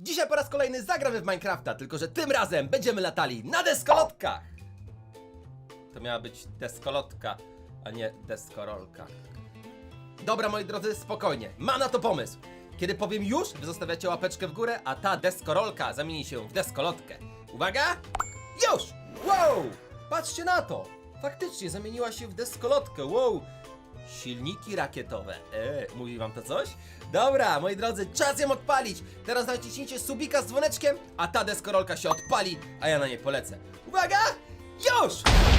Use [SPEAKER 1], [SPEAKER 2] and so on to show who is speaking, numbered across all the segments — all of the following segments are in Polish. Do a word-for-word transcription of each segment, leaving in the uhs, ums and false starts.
[SPEAKER 1] Dzisiaj po raz kolejny zagramy w Minecrafta, tylko że tym razem będziemy latali na deskolotkach. To miała być deskolotka, a nie deskorolka. Dobra, moi drodzy, spokojnie, mam na to pomysł. Kiedy powiem już, wy zostawiacie łapeczkę w górę, a ta deskorolka zamieni się w deskolotkę. Uwaga! Już! Wow! Patrzcie na to! Faktycznie zamieniła się w deskolotkę, wow! Silniki rakietowe. Eee, mówi wam to coś? Dobra, moi drodzy, czas ją odpalić. Teraz naciśnijcie subika z dzwoneczkiem, a ta deskorolka się odpali, a ja na nie polecę. Uwaga! Już!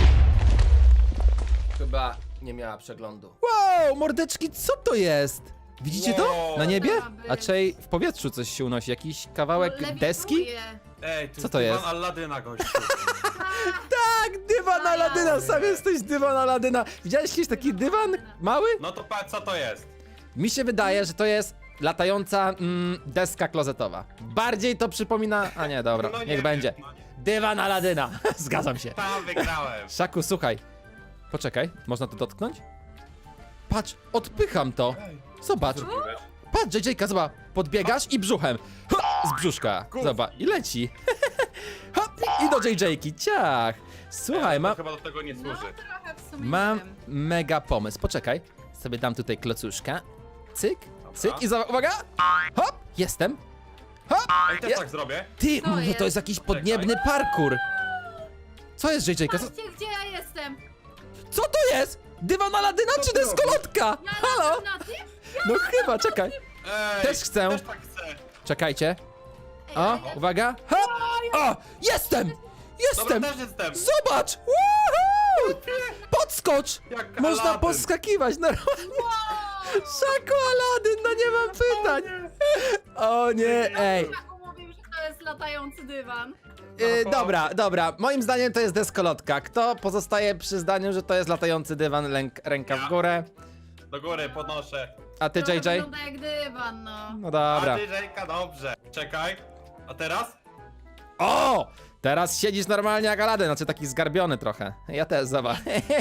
[SPEAKER 1] Chyba nie miała przeglądu. Wow, mordeczki, co to jest? Widzicie to?
[SPEAKER 2] Wow.
[SPEAKER 1] Na niebie?
[SPEAKER 3] Co to ma być?
[SPEAKER 1] A czej w powietrzu coś się unosi? Jakiś kawałek
[SPEAKER 3] Lewituje.
[SPEAKER 1] deski?
[SPEAKER 2] Ej, to
[SPEAKER 1] Co to jest?
[SPEAKER 2] Aladyna, gościu.
[SPEAKER 1] Tak, dywan Aladyna, sam jesteś dywan Aladyna. Widziałeś kiedyś taki dywan mały?
[SPEAKER 2] No to patrz, co to jest?
[SPEAKER 1] Mi się wydaje, że to jest latająca mm, deska klozetowa. Bardziej to przypomina... A nie, dobra,
[SPEAKER 2] No nie
[SPEAKER 1] niech
[SPEAKER 2] wiem,
[SPEAKER 1] będzie.
[SPEAKER 2] no nie.
[SPEAKER 1] Dywan Aladyna, zgadzam się.
[SPEAKER 2] Tam wygrałem.
[SPEAKER 1] Szaku, słuchaj. Poczekaj, można to dotknąć? Patrz, odpycham to. Zobacz,
[SPEAKER 2] Zrobiłeś?
[SPEAKER 1] patrz, J J-ka, zobacz. Podbiegasz i brzuchem. Ha, z brzuszka. Zobacz, i leci. Hop, i do J J-ki, ciach. Słuchaj,
[SPEAKER 2] to
[SPEAKER 1] mam...
[SPEAKER 2] chyba do tego nie
[SPEAKER 3] No
[SPEAKER 2] służy.
[SPEAKER 3] trochę w sumie
[SPEAKER 1] Mam
[SPEAKER 3] nie wiem.
[SPEAKER 1] mega pomysł. Poczekaj, sobie dam tutaj klocuszka. Cyk, cyk i zobacz, uwaga! Hop, jestem. Hop!
[SPEAKER 2] Ej, też
[SPEAKER 1] Ja-
[SPEAKER 2] tak zrobię.
[SPEAKER 1] Ty,
[SPEAKER 3] Co
[SPEAKER 1] może to
[SPEAKER 3] jest?
[SPEAKER 1] jest jakiś podniebny parkour. Co jest, J J-ka? Co,
[SPEAKER 3] Patrzcie, gdzie ja jestem!
[SPEAKER 1] co to jest? Dywan Aladyna
[SPEAKER 2] Co
[SPEAKER 1] czy
[SPEAKER 2] ty
[SPEAKER 1] deskolotka?
[SPEAKER 3] Ja
[SPEAKER 1] Halo?
[SPEAKER 3] latam na tym?
[SPEAKER 1] No chyba, czekaj.
[SPEAKER 2] Ej,
[SPEAKER 1] Też chcę.
[SPEAKER 2] Też tak chcę.
[SPEAKER 1] Czekajcie.
[SPEAKER 3] Ej,
[SPEAKER 1] O,
[SPEAKER 3] ale ja-
[SPEAKER 1] uwaga. Hop! O, jestem!
[SPEAKER 2] Dobra,
[SPEAKER 1] Jestem!
[SPEAKER 2] też jestem.
[SPEAKER 1] Zobacz! Woohoo! Podskocz!
[SPEAKER 2] Jak
[SPEAKER 1] Można
[SPEAKER 2] Aladdin.
[SPEAKER 1] podskakiwać normalnie.
[SPEAKER 3] Wow!
[SPEAKER 1] Szaku Aladyn, no nie mam pytań. O nie, ej.
[SPEAKER 3] Taku mówił, że to jest latający dywan.
[SPEAKER 1] Yy, dobra, dobra. Moim zdaniem to jest deskolotka. Kto pozostaje przy zdaniu, że to jest latający dywan, lęk, ręka w
[SPEAKER 2] Ja.
[SPEAKER 1] górę?
[SPEAKER 2] Do góry podnoszę.
[SPEAKER 1] A ty,
[SPEAKER 3] Trochę
[SPEAKER 1] J J?
[SPEAKER 3] wygląda jak dywan, no.
[SPEAKER 1] No dobra.
[SPEAKER 2] A ty, Żejka, dobrze. Czekaj. A teraz?
[SPEAKER 1] O! Teraz siedzisz normalnie jak Aladyn, znaczy taki zgarbiony trochę. Ja też, zobacz.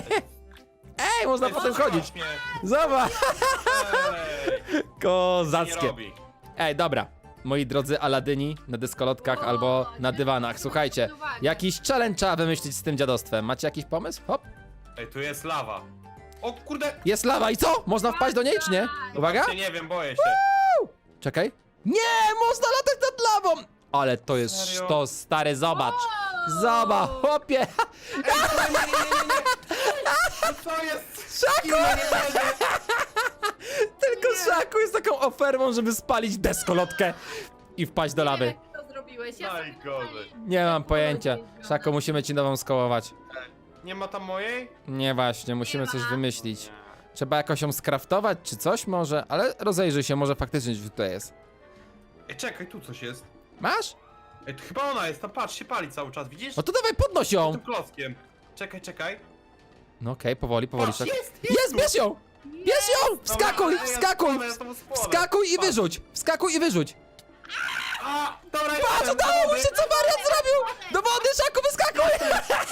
[SPEAKER 1] Ej, można
[SPEAKER 2] Ej,
[SPEAKER 1] potem
[SPEAKER 2] zatrzymasz
[SPEAKER 1] chodzić.
[SPEAKER 2] mnie.
[SPEAKER 1] Zobacz.
[SPEAKER 2] Ej, nie
[SPEAKER 1] Kozackie.
[SPEAKER 2] robi.
[SPEAKER 1] Ej, dobra. Moi drodzy Aladyni na deskolotkach
[SPEAKER 3] O,
[SPEAKER 1] albo na
[SPEAKER 3] nie.
[SPEAKER 1] dywanach. Słuchajcie,
[SPEAKER 3] Uwaga.
[SPEAKER 1] jakiś challenge trzeba wymyślić z tym dziadostwem. Macie jakiś pomysł? Hop.
[SPEAKER 2] Ej, tu jest lawa. O kurde.
[SPEAKER 1] Jest lawa i co? Można wpaść do niej, czy nie? Uwaga.
[SPEAKER 2] Właśnie nie wiem, boję się.
[SPEAKER 1] Czekaj. Nie, można latać nad lawą! Ale to jest
[SPEAKER 2] Serio?
[SPEAKER 1] sztos, stary, zobacz.
[SPEAKER 3] Wow!
[SPEAKER 1] Zobacz, chłopie.
[SPEAKER 2] Ej, nie, nie, nie, nie, nie. No co jest?
[SPEAKER 1] Szaku!
[SPEAKER 2] Nie, nie, nie, nie.
[SPEAKER 1] Tylko
[SPEAKER 2] Nie.
[SPEAKER 1] Szaku jest taką ofermą, żeby spalić deskolotkę i wpaść do
[SPEAKER 3] Nie
[SPEAKER 1] lawy.
[SPEAKER 3] wiem, jak to zrobiłeś. Ja sobie
[SPEAKER 2] Najgorzej.
[SPEAKER 3] tutaj-
[SPEAKER 1] Nie mam pojęcia.
[SPEAKER 3] Dobra.
[SPEAKER 1] Szaku, musimy ci nową skołować.
[SPEAKER 2] Nie ma tam mojej?
[SPEAKER 1] Nie właśnie, musimy
[SPEAKER 3] Nie
[SPEAKER 1] coś
[SPEAKER 3] ma.
[SPEAKER 1] wymyślić. Trzeba jakoś ją skraftować, czy coś może? Ale rozejrzyj się, może faktycznie gdzieś tutaj jest.
[SPEAKER 2] Ej, czekaj, tu coś jest.
[SPEAKER 1] Masz?
[SPEAKER 2] Ej, to chyba ona jest, tam patrz, się pali cały czas, widzisz?
[SPEAKER 1] No to dawaj, podnoś ją!
[SPEAKER 2] Tym klockiem. Czekaj, czekaj.
[SPEAKER 1] No okej, powoli, powoli.
[SPEAKER 2] Patrz,
[SPEAKER 1] Szaku.
[SPEAKER 2] jest,
[SPEAKER 1] Jest, bierz ją! Bierz ją! Wskakuj,
[SPEAKER 2] Dobra, ej, ja
[SPEAKER 1] wskakuj!
[SPEAKER 2] spłonę, ja tam spłonę.
[SPEAKER 1] Wskakuj i
[SPEAKER 2] Patrz.
[SPEAKER 1] wyrzuć! Wskakuj i wyrzuć!
[SPEAKER 2] A, dobra,
[SPEAKER 1] Patrz,
[SPEAKER 2] jestem,
[SPEAKER 1] udało mi
[SPEAKER 2] dobra.
[SPEAKER 1] się, co wariat zrobił! Do wody, Szaku, wyskakuj!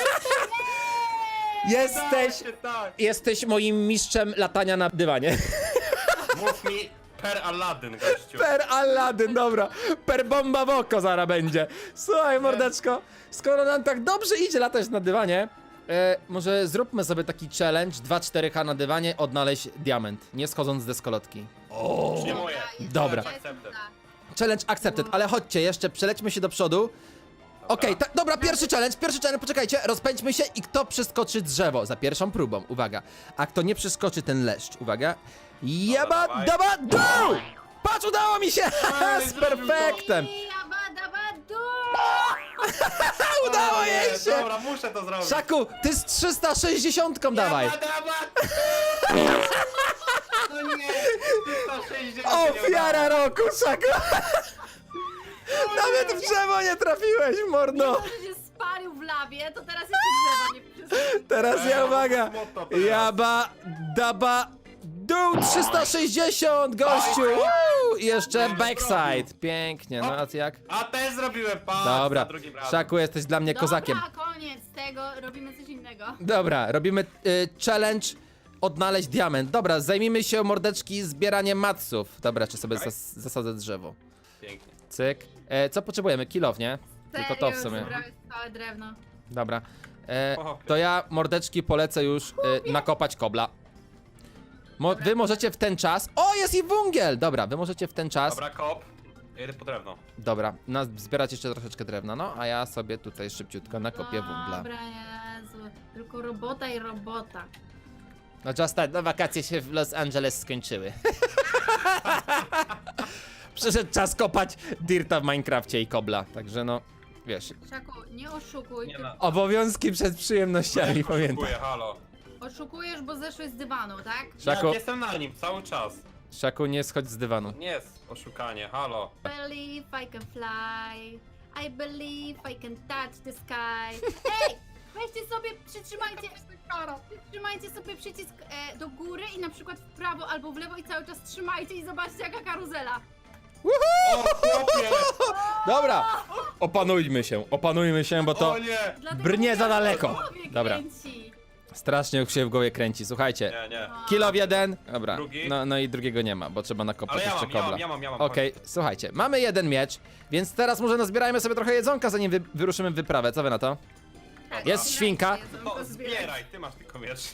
[SPEAKER 1] Jesteś,
[SPEAKER 2] Tak, tak.
[SPEAKER 1] jesteś moim mistrzem latania na dywanie.
[SPEAKER 2] Mów mi per Aladdin, gościu.
[SPEAKER 1] Per Aladdin, dobra. Per bomba w oko zara będzie. Słuchaj, mordeczko, skoro nam tak dobrze idzie latać na dywanie, e, może zróbmy sobie taki challenge dwa cztery H na dywanie, odnaleźć diament, nie schodząc z deskolotki. O!
[SPEAKER 2] Już nie moje.
[SPEAKER 1] Dobra.
[SPEAKER 2] Akceptem.
[SPEAKER 1] Challenge accepted, ale chodźcie, jeszcze przelećmy się do przodu. Okej, tak, dobra, pierwszy challenge, pierwszy challenge, poczekajcie, rozpędźmy się i kto przeskoczy drzewo za pierwszą próbą, uwaga. A kto nie przeskoczy, ten leszcz, uwaga. Jeba,
[SPEAKER 2] dawaj.
[SPEAKER 1] daba, dół! Patrz, udało mi się!
[SPEAKER 2] Ej,
[SPEAKER 1] Z
[SPEAKER 2] zrobił to.
[SPEAKER 1] perfektem!
[SPEAKER 3] Jabadabadu!
[SPEAKER 1] Udało
[SPEAKER 2] O nie,
[SPEAKER 1] jej się!
[SPEAKER 2] Dobra, muszę to zrobić.
[SPEAKER 1] Szaku, ty z trzysta sześćdziesiąt dawaj!
[SPEAKER 2] Jaba, daba. No nie, trzysta sześćdziesiąt nie
[SPEAKER 1] Ofiara
[SPEAKER 2] udało.
[SPEAKER 1] roku, Szaku! Nawet w drzewo nie trafiłeś, mordo!
[SPEAKER 3] Mimo, że się spalił w lawie, to teraz jeszcze drzewo nie przystało.
[SPEAKER 1] Teraz ja,
[SPEAKER 2] Ej,
[SPEAKER 1] uwaga!
[SPEAKER 2] smutno teraz.
[SPEAKER 1] Jaba, daba, dół trzysta sześćdziesiąt, gościu!
[SPEAKER 2] Oj, oj.
[SPEAKER 1] Woo! I jeszcze
[SPEAKER 2] Nie,
[SPEAKER 1] backside, pięknie, no a ty jak?
[SPEAKER 2] A też zrobiłem, patrz,
[SPEAKER 1] Dobra,
[SPEAKER 2] za drugim razem.
[SPEAKER 1] Szaku, jesteś dla mnie kozakiem.
[SPEAKER 3] Dobra, koniec tego, robimy coś innego.
[SPEAKER 1] Dobra, robimy y, challenge odnaleźć diament. Dobra, zajmijmy się, mordeczki, zbieraniem matsów. Dobra, czy sobie
[SPEAKER 2] Okej.
[SPEAKER 1] zas zasadzę drzewo.
[SPEAKER 2] Pięknie.
[SPEAKER 4] Cyk. E, co potrzebujemy? Kilow, nie? Tylko to w
[SPEAKER 3] Serio,
[SPEAKER 4] sumie.
[SPEAKER 3] już zebrałeś całe drewno.
[SPEAKER 4] Dobra. E,
[SPEAKER 2] O.
[SPEAKER 4] to ja, mordeczki, polecę już e, nakopać kobla. Mo wy możecie w ten czas... O, jest i węgiel! Dobra, wy możecie w ten czas...
[SPEAKER 2] Dobra, kop. Jedę po drewno.
[SPEAKER 4] Dobra, na, zbierać jeszcze troszeczkę drewna, no, a ja sobie tutaj szybciutko nakopię węgla.
[SPEAKER 3] Dobra, Jezu. Tylko robota i robota.
[SPEAKER 4] No just tak, no wakacje się w Los Angeles skończyły. Przyszedł czas kopać dirta w Minecrafcie i kobla, także no, wiesz,
[SPEAKER 3] Szaku, nie oszukuj.
[SPEAKER 2] Nie
[SPEAKER 3] ty
[SPEAKER 2] ma.
[SPEAKER 4] obowiązki przed przyjemnościami, pamiętaj.
[SPEAKER 2] Dziękuję, halo.
[SPEAKER 3] Oszukujesz, bo zeszłeś z dywanu, tak?
[SPEAKER 4] Szaku,
[SPEAKER 2] Jak jestem na nim cały czas.
[SPEAKER 4] Szaku, nie schodź z dywanu.
[SPEAKER 2] Nie jest oszukanie, halo.
[SPEAKER 3] Believe I can fly. I believe I can touch the sky. Ej! Weźcie sobie, przytrzymajcie, przytrzymajcie sobie przycisk e, do góry i na przykład w prawo albo w lewo i cały czas trzymajcie i zobaczcie jaka karuzela.
[SPEAKER 2] O, chłopie!
[SPEAKER 4] Dobra, opanujmy się, opanujmy się, bo to
[SPEAKER 2] O nie!
[SPEAKER 3] Dlatego
[SPEAKER 4] brnie
[SPEAKER 3] mówię,
[SPEAKER 4] za
[SPEAKER 3] że
[SPEAKER 4] daleko.
[SPEAKER 3] w głowie
[SPEAKER 4] Dobra.
[SPEAKER 3] kręci.
[SPEAKER 4] Strasznie już się w głowie kręci, słuchajcie.
[SPEAKER 2] Nie, nie.
[SPEAKER 4] Kilow jeden, dobra,
[SPEAKER 2] Drugi?
[SPEAKER 4] no, no i drugiego nie ma, bo trzeba nakopać
[SPEAKER 2] Ale ja
[SPEAKER 4] jeszcze
[SPEAKER 2] mam, ja
[SPEAKER 4] kobla.
[SPEAKER 2] mam, ja mam, ja mam.
[SPEAKER 4] Okej, słuchajcie, mamy jeden miecz, więc teraz może nazbierajmy sobie trochę jedzonka, zanim wy wyruszymy w wyprawę, co wy na to?
[SPEAKER 3] Tak,
[SPEAKER 4] Jest
[SPEAKER 3] zbierajcie
[SPEAKER 4] świnka.
[SPEAKER 3] jedzonko,
[SPEAKER 2] No,
[SPEAKER 3] zbierajcie.
[SPEAKER 2] zbieraj, ty masz tylko miecz.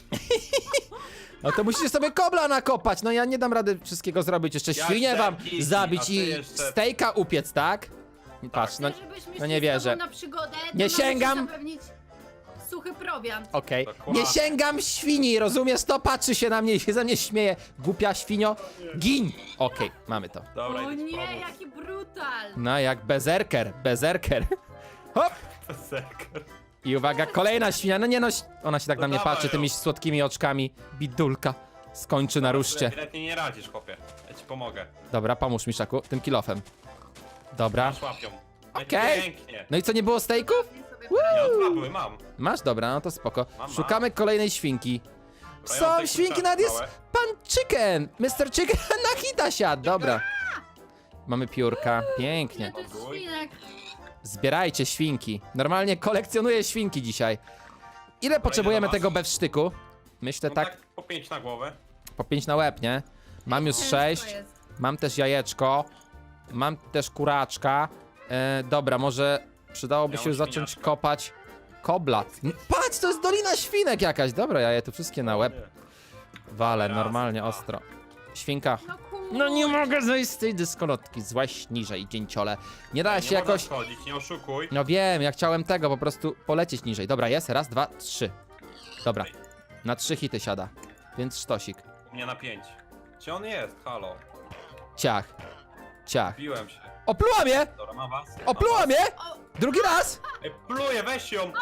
[SPEAKER 4] No to musicie sobie kobla nakopać, no ja nie dam rady wszystkiego zrobić, jeszcze
[SPEAKER 2] Ja
[SPEAKER 4] świnię wam
[SPEAKER 2] chcę kiki, a
[SPEAKER 4] zabić
[SPEAKER 2] ty
[SPEAKER 4] i
[SPEAKER 2] jeszcze-
[SPEAKER 4] stejka upiec, tak? Patrz, no
[SPEAKER 3] Chcesz, żebyśmy
[SPEAKER 4] no nie
[SPEAKER 3] szli z
[SPEAKER 4] wierzę.
[SPEAKER 3] tobą na przygodę, to
[SPEAKER 4] Nie
[SPEAKER 3] mamy ci
[SPEAKER 4] sięgam.
[SPEAKER 3] zapewnić suchy prowiant.
[SPEAKER 4] okej.
[SPEAKER 2] Dokładnie.
[SPEAKER 4] Nie sięgam świni, rozumiesz to? Patrzy się na mnie i się ze mnie śmieje. Głupia świnio, gin! Okej, mamy to.
[SPEAKER 2] Dobra,
[SPEAKER 3] O
[SPEAKER 2] idę ci
[SPEAKER 3] nie,
[SPEAKER 2] pomóc.
[SPEAKER 3] jaki brutal.
[SPEAKER 4] No jak bezerker, bezerker. Hop!
[SPEAKER 2] Zeker.
[SPEAKER 4] I uwaga, kolejna świnia, no nie no, ona się tak
[SPEAKER 2] No
[SPEAKER 4] na mnie
[SPEAKER 2] dawaj
[SPEAKER 4] patrzy
[SPEAKER 2] ją.
[SPEAKER 4] tymi słodkimi oczkami. Bidulka. Skończy na ruszcie.
[SPEAKER 2] Lepiej nie radzisz, chłopie. Ja ci pomogę.
[SPEAKER 4] Dobra, pomóż mi, Szaku, tym kilofem. Dobra.
[SPEAKER 2] Masz łapią.
[SPEAKER 4] Okej.
[SPEAKER 2] Pięknie.
[SPEAKER 4] No i co, nie było stejków?
[SPEAKER 3] Nie sobie
[SPEAKER 2] Ja dwa były, mam.
[SPEAKER 4] Masz? Dobra, no to spoko.
[SPEAKER 2] Mam,
[SPEAKER 4] Szukamy kolejnej świnki.
[SPEAKER 2] Dobra, ja
[SPEAKER 4] Są
[SPEAKER 2] mam
[SPEAKER 4] świnki,
[SPEAKER 2] tutaj
[SPEAKER 4] nawet jest
[SPEAKER 2] małe.
[SPEAKER 4] pan Chicken! mister Chicken na hita siadł, dobra. Mamy piórka, pięknie.
[SPEAKER 3] Ile to jest
[SPEAKER 2] Ogój.
[SPEAKER 3] świnek?
[SPEAKER 4] Zbierajcie świnki. Normalnie kolekcjonuję świnki dzisiaj. Ile potrzebujemy
[SPEAKER 2] was?
[SPEAKER 4] tego bewsztyku? Myślę
[SPEAKER 2] No
[SPEAKER 4] tak,
[SPEAKER 2] tak po pięć na głowę.
[SPEAKER 4] po pięć na łeb, nie? Mam już
[SPEAKER 3] Ciężko
[SPEAKER 4] sześć.
[SPEAKER 3] jest.
[SPEAKER 4] Mam też jajeczko. Mam też kuraczka. E, dobra, może przydałoby
[SPEAKER 2] Ja
[SPEAKER 4] się
[SPEAKER 2] mam
[SPEAKER 4] zacząć
[SPEAKER 2] świniaczka.
[SPEAKER 4] kopać kobla. N- Patrz, to jest Dolina Świnek jakaś. Dobra, ja je tu wszystkie na łeb walę,
[SPEAKER 2] Raz,
[SPEAKER 4] normalnie,
[SPEAKER 2] dwa.
[SPEAKER 4] ostro. Świnka.
[SPEAKER 3] No kur...
[SPEAKER 4] No nie mogę zejść z tej dyskolotki. Złaś niżej, dzięciole. Nie da
[SPEAKER 2] Nie
[SPEAKER 4] się
[SPEAKER 2] można
[SPEAKER 4] jakoś...
[SPEAKER 2] schodzić, nie oszukuj.
[SPEAKER 4] No wiem, ja chciałem tego, po prostu polecieć niżej. Dobra, jest, raz, dwa, trzy. Dobra, na trzy hity siada. Więc sztosik.
[SPEAKER 2] U mnie na pięć. Gdzie on jest? Halo.
[SPEAKER 4] Ciach. Ciach.
[SPEAKER 2] Biłem się.
[SPEAKER 4] Opluła mnie!
[SPEAKER 2] Dobra, mam was.
[SPEAKER 4] Opluła
[SPEAKER 2] Mam was.
[SPEAKER 4] mnie! Drugi raz!
[SPEAKER 2] Ej, pluję, weź ją!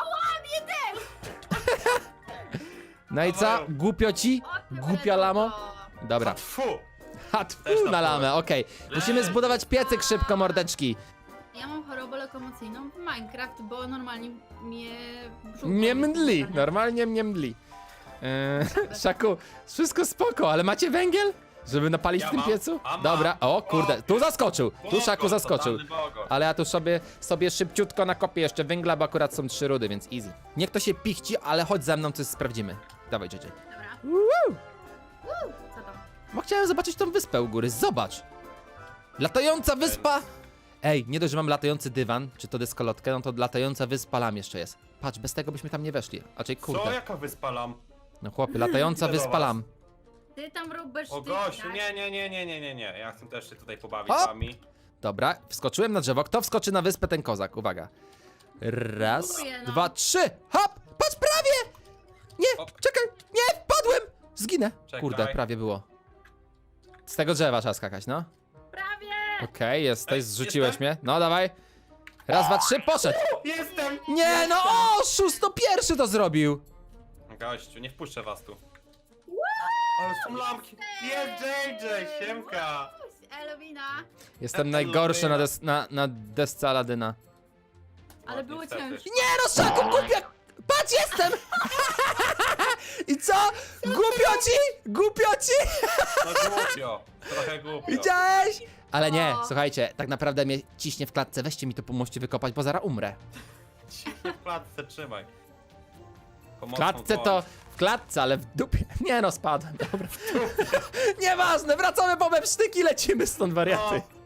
[SPEAKER 4] No i co?
[SPEAKER 2] Dawaj.
[SPEAKER 4] Głupio ci?
[SPEAKER 3] O, ty
[SPEAKER 4] Głupia
[SPEAKER 3] byle
[SPEAKER 4] lamo?
[SPEAKER 3] to.
[SPEAKER 4] Dobra.
[SPEAKER 2] Tfu!
[SPEAKER 4] Ha,
[SPEAKER 2] Też
[SPEAKER 4] tfu,
[SPEAKER 2] na
[SPEAKER 4] na lamę, okej. Musimy zbudować piecyk szybko, mordeczki.
[SPEAKER 3] Ja mam chorobę lokomocyjną w Minecraft, bo normalnie mnie brzuch
[SPEAKER 4] Mnie
[SPEAKER 3] boli.
[SPEAKER 4] mdli, normalnie mnie mdli. Eee, Szaku, wszystko spoko, ale macie węgiel? Żeby napalić
[SPEAKER 2] Ja
[SPEAKER 4] w tym
[SPEAKER 2] mam,
[SPEAKER 4] piecu?
[SPEAKER 2] a mam.
[SPEAKER 4] Dobra, o kurde,
[SPEAKER 2] O,
[SPEAKER 4] tu zaskoczył, tu
[SPEAKER 2] Bogo,
[SPEAKER 4] Szaku zaskoczył.
[SPEAKER 2] totalny bogo.
[SPEAKER 4] Ale ja tu sobie, sobie szybciutko nakopię jeszcze węgla, bo akurat są trzy rudy, więc easy. Niech to się pichci, ale chodź ze mną, coś sprawdzimy. Dawaj, J J.
[SPEAKER 3] Dobra.
[SPEAKER 4] Woo!
[SPEAKER 3] Uuu, co tam?
[SPEAKER 4] Bo chciałem zobaczyć tą wyspę u góry, zobacz! Latająca wyspa! Ej, nie dość, że mam latający dywan, czy to dyskolotkę, no to latająca wyspa lam jeszcze jest. Patrz, bez tego byśmy tam nie weszli. Raczej
[SPEAKER 2] Co?
[SPEAKER 4] kurde.
[SPEAKER 2] Jaka wyspalam?
[SPEAKER 4] No chłopie, latająca
[SPEAKER 2] Idę do
[SPEAKER 4] wyspa
[SPEAKER 2] was.
[SPEAKER 4] lam.
[SPEAKER 3] Ty tam robisz
[SPEAKER 2] O
[SPEAKER 3] ty,
[SPEAKER 2] gościu,
[SPEAKER 3] tak?
[SPEAKER 2] nie, nie, nie, nie, nie, nie, nie. Ja chcę też się tutaj pobawić
[SPEAKER 4] Hop!
[SPEAKER 2] z wami.
[SPEAKER 4] Dobra, wskoczyłem na drzewo. Kto wskoczy na wyspę, ten kozak. Uwaga. Raz,
[SPEAKER 3] Próbuję, no.
[SPEAKER 4] dwa, trzy. Hop! Patrz, prawie! Nie,
[SPEAKER 2] Hop.
[SPEAKER 4] czekaj, nie, wpadłem! Zginę.
[SPEAKER 2] Czekaj.
[SPEAKER 4] Kurde, prawie było. Z tego drzewa trzeba skakać, no.
[SPEAKER 3] Prawie!
[SPEAKER 4] Okej, jesteś,
[SPEAKER 2] Ej,
[SPEAKER 4] zrzuciłeś
[SPEAKER 2] jestem?
[SPEAKER 4] mnie. No, dawaj. Raz, dwa, trzy, poszedł.
[SPEAKER 2] Jestem!
[SPEAKER 4] Nie, no, o, szósto pierwszy to zrobił.
[SPEAKER 2] Gościu, nie wpuszczę was tu. Ale są lampki. Jest J J, siemka.
[SPEAKER 3] Elwina,
[SPEAKER 4] Jestem
[SPEAKER 2] Ja
[SPEAKER 4] najgorszy
[SPEAKER 2] lubię.
[SPEAKER 4] na, des na, na desce Aladyna.
[SPEAKER 3] ale
[SPEAKER 2] O,
[SPEAKER 3] było
[SPEAKER 2] niestety.
[SPEAKER 3] ciężko.
[SPEAKER 4] Nie, no, Szaku, głupia! Patrz, jestem! I co? Głupio ci? Głupio ci?
[SPEAKER 2] No głupio. Trochę głupio.
[SPEAKER 4] Widziałeś? Ale nie,
[SPEAKER 3] O.
[SPEAKER 4] słuchajcie, tak naprawdę mnie ciśnie w klatce. Weźcie mi to, pomóżcie wykopać, bo zaraz umrę.
[SPEAKER 2] Nie w klatce, trzymaj.
[SPEAKER 4] W
[SPEAKER 2] Pomocną
[SPEAKER 4] klatce
[SPEAKER 2] dłoń.
[SPEAKER 4] to... W klatce, ale w dupie. Nie no, spadłem, dobra. Nieważne, wracamy po mepsztyki, lecimy stąd, wariaty.
[SPEAKER 2] O,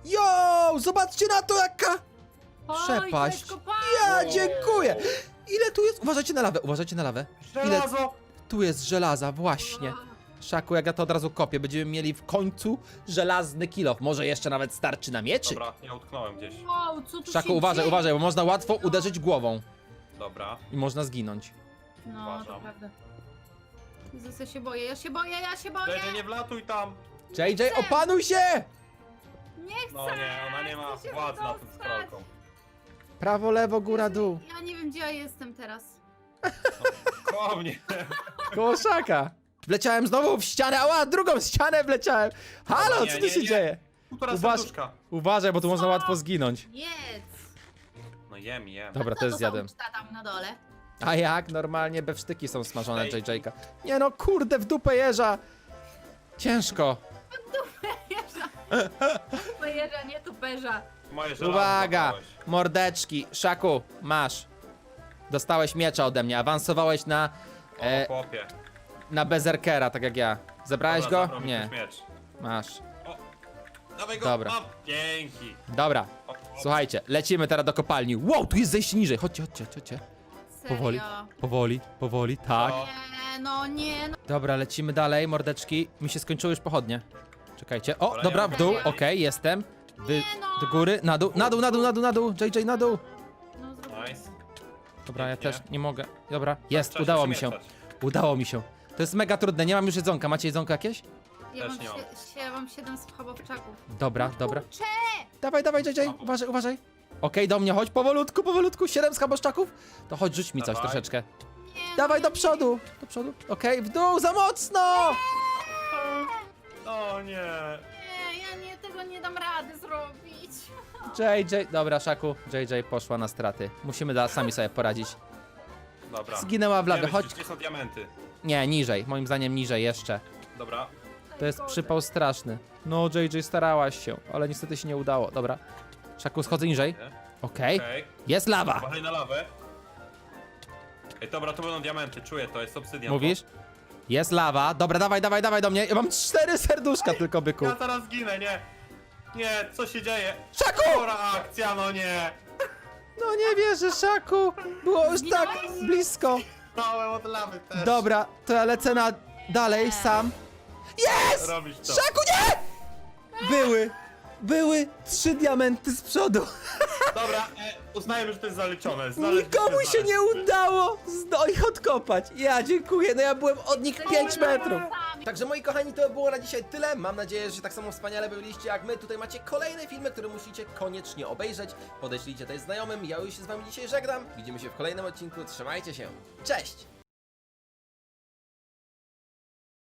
[SPEAKER 4] Jo, zobaczcie na to, jaka
[SPEAKER 3] Oj,
[SPEAKER 4] przepaść.
[SPEAKER 3] to jest kopalnia.
[SPEAKER 4] Ja
[SPEAKER 2] Wow.
[SPEAKER 4] dziękuję. Ile tu jest? Uważajcie na lawę, uważajcie na lawę. Ile
[SPEAKER 2] Żelazo!
[SPEAKER 4] tu jest żelaza, właśnie. Szaku, jak ja to od razu kopię, będziemy mieli w końcu żelazny kilof. Może jeszcze nawet starczy na mieczy.
[SPEAKER 2] Dobra, ja utknąłem gdzieś.
[SPEAKER 3] Wow, co tu
[SPEAKER 4] Szaku,
[SPEAKER 3] się
[SPEAKER 4] uważaj,
[SPEAKER 3] dzieje?
[SPEAKER 4] uważaj, bo można łatwo uderzyć głową
[SPEAKER 2] Dobra.
[SPEAKER 4] i można zginąć.
[SPEAKER 3] No, to
[SPEAKER 2] Uważam.
[SPEAKER 3] prawda. Jezus, ja się boję, ja się boję, ja się boję!
[SPEAKER 2] J J, nie wlatuj tam!
[SPEAKER 4] J J, opanuj się!
[SPEAKER 3] Nie chcę!
[SPEAKER 2] No nie, ona nie ma
[SPEAKER 3] chcę się
[SPEAKER 2] władzy nad tą
[SPEAKER 3] wydostać.
[SPEAKER 2] scrollką.
[SPEAKER 4] Prawo, lewo, góra, dół.
[SPEAKER 3] Ja nie wiem, gdzie ja jestem teraz.
[SPEAKER 2] Koło mnie.
[SPEAKER 4] Koło Szaka. Wleciałem znowu w ścianę, ała, drugą ścianę wleciałem. Halo,
[SPEAKER 2] Dobra,
[SPEAKER 4] co
[SPEAKER 2] nie,
[SPEAKER 4] tu
[SPEAKER 2] nie,
[SPEAKER 4] się
[SPEAKER 2] nie.
[SPEAKER 4] dzieje?
[SPEAKER 2] Półtora
[SPEAKER 4] Uważ-
[SPEAKER 2] serduszka.
[SPEAKER 4] Uważaj, bo tu można łatwo zginąć.
[SPEAKER 3] Jedz!
[SPEAKER 2] No jem, jem.
[SPEAKER 4] Dobra,
[SPEAKER 3] Co
[SPEAKER 4] to jest
[SPEAKER 3] za
[SPEAKER 4] zjadłem.
[SPEAKER 3] uczta tam na dole?
[SPEAKER 4] A jak? Normalnie bewsztyki są smażone
[SPEAKER 2] Ej.
[SPEAKER 4] J J-ka. Nie no, kurde, w dupę jeża. Ciężko.
[SPEAKER 3] Tuperza, nie tuperza.
[SPEAKER 2] Moje żelazo
[SPEAKER 4] Uwaga,
[SPEAKER 2] zabrałeś.
[SPEAKER 4] mordeczki. Szaku, masz. Dostałeś miecza ode mnie, awansowałeś na,
[SPEAKER 2] O,
[SPEAKER 4] e,
[SPEAKER 2] chłopie.
[SPEAKER 4] na bezerkera, tak jak ja. Zebrałeś
[SPEAKER 2] Dobra,
[SPEAKER 4] go?
[SPEAKER 2] zabrał mi
[SPEAKER 4] Nie,
[SPEAKER 2] ktoś miecz.
[SPEAKER 4] masz.
[SPEAKER 2] Dawaj go,
[SPEAKER 4] Dobra.
[SPEAKER 2] mam. Dzięki.
[SPEAKER 4] Dobra,
[SPEAKER 2] O, o.
[SPEAKER 4] słuchajcie, lecimy teraz do kopalni. Wow, tu jest zejście niżej. Chodźcie, chodźcie, chodźcie.
[SPEAKER 3] Serio?
[SPEAKER 4] Powoli, powoli, powoli, tak.
[SPEAKER 2] O.
[SPEAKER 3] Nie, no nie, no.
[SPEAKER 4] Dobra, lecimy dalej, mordeczki. Mi się skończyły już pochodnie. Czekajcie. O,
[SPEAKER 2] Dobra,
[SPEAKER 4] dobra,
[SPEAKER 2] ja
[SPEAKER 4] w
[SPEAKER 2] mam
[SPEAKER 4] dół,
[SPEAKER 2] kolej.
[SPEAKER 4] okej, jestem. Wy,
[SPEAKER 3] Nie no.
[SPEAKER 4] do góry, na dół, na dół, na dół, na dół, na dół. J J, na dół.
[SPEAKER 3] no zrobię.
[SPEAKER 2] Nice.
[SPEAKER 4] Dobra, ja
[SPEAKER 2] Pięknie.
[SPEAKER 4] też nie mogę. Dobra, jest,
[SPEAKER 2] Trzeba
[SPEAKER 4] udało mi się.
[SPEAKER 2] przemieszczać.
[SPEAKER 4] Udało mi się. To jest mega trudne, nie mam już jedzonka. Macie jedzonko jakieś?
[SPEAKER 3] Ja
[SPEAKER 2] Też
[SPEAKER 3] mam,
[SPEAKER 2] nie mam.
[SPEAKER 3] sie, sie, mam siedem schabowczaków.
[SPEAKER 4] Dobra, dobra.
[SPEAKER 3] Kurczę!
[SPEAKER 4] Dawaj, dawaj, J J, uważaj, uważaj. Okej, do mnie chodź, powolutku, powolutku, siedem schaboszczaków. To chodź, rzuć mi coś
[SPEAKER 2] Dawaj.
[SPEAKER 4] troszeczkę.
[SPEAKER 3] Nie,
[SPEAKER 4] Dawaj
[SPEAKER 3] no,
[SPEAKER 4] do przodu, do przodu. Okej, w dół, za mocno!
[SPEAKER 2] O nie.
[SPEAKER 3] Nie, ja nie, tego nie dam rady zrobić.
[SPEAKER 4] J J, dobra, Szaku, J J poszła na straty. Musimy da, sami sobie poradzić.
[SPEAKER 2] Dobra.
[SPEAKER 4] Zginęła w lawie,
[SPEAKER 2] Wiemy,
[SPEAKER 4] chodź.
[SPEAKER 2] Gdzie są diamenty?
[SPEAKER 4] Nie, niżej, moim zdaniem niżej jeszcze.
[SPEAKER 2] Dobra.
[SPEAKER 4] To jest przypał straszny. No, J J, starałaś się, ale niestety się nie udało. Dobra. Szaku, schodzę niżej.
[SPEAKER 2] Nie?
[SPEAKER 4] Okej.
[SPEAKER 2] Okej.
[SPEAKER 4] Jest lawa!
[SPEAKER 2] Uważaj na lawę. Ej, dobra, to będą diamenty, czuję to, jest obsydian.
[SPEAKER 4] Mówisz? Jest lawa. Dobra, dawaj, dawaj, dawaj do mnie. Ja mam cztery serduszka tylko, byku.
[SPEAKER 2] Ja zaraz zginę, nie. Nie, co się dzieje?
[SPEAKER 4] Szaku!
[SPEAKER 2] Chora akcja, no nie.
[SPEAKER 4] No nie wierzę, Szaku. Było już tak blisko.
[SPEAKER 2] Małem od lawy też.
[SPEAKER 4] Dobra, to ja lecę na dalej sam. Jest!
[SPEAKER 2] Robisz to.
[SPEAKER 4] Szaku, nie! Były, były trzy diamenty z przodu.
[SPEAKER 2] Dobra, e, uznajemy, że to jest zaliczone. Znaleźć-
[SPEAKER 4] Nikomu się
[SPEAKER 2] znaleźć.
[SPEAKER 4] nie udało zdo- ich odkopać. Ja dziękuję, no ja byłem od nich pięć metrów. Także moi kochani, to było na dzisiaj tyle. Mam nadzieję, że się tak samo wspaniale bawiliście jak my. Tutaj macie kolejne filmy, które musicie koniecznie obejrzeć. Podeślijcie też znajomym. Ja już się z wami dzisiaj żegnam. Widzimy się w kolejnym odcinku. Trzymajcie się. Cześć!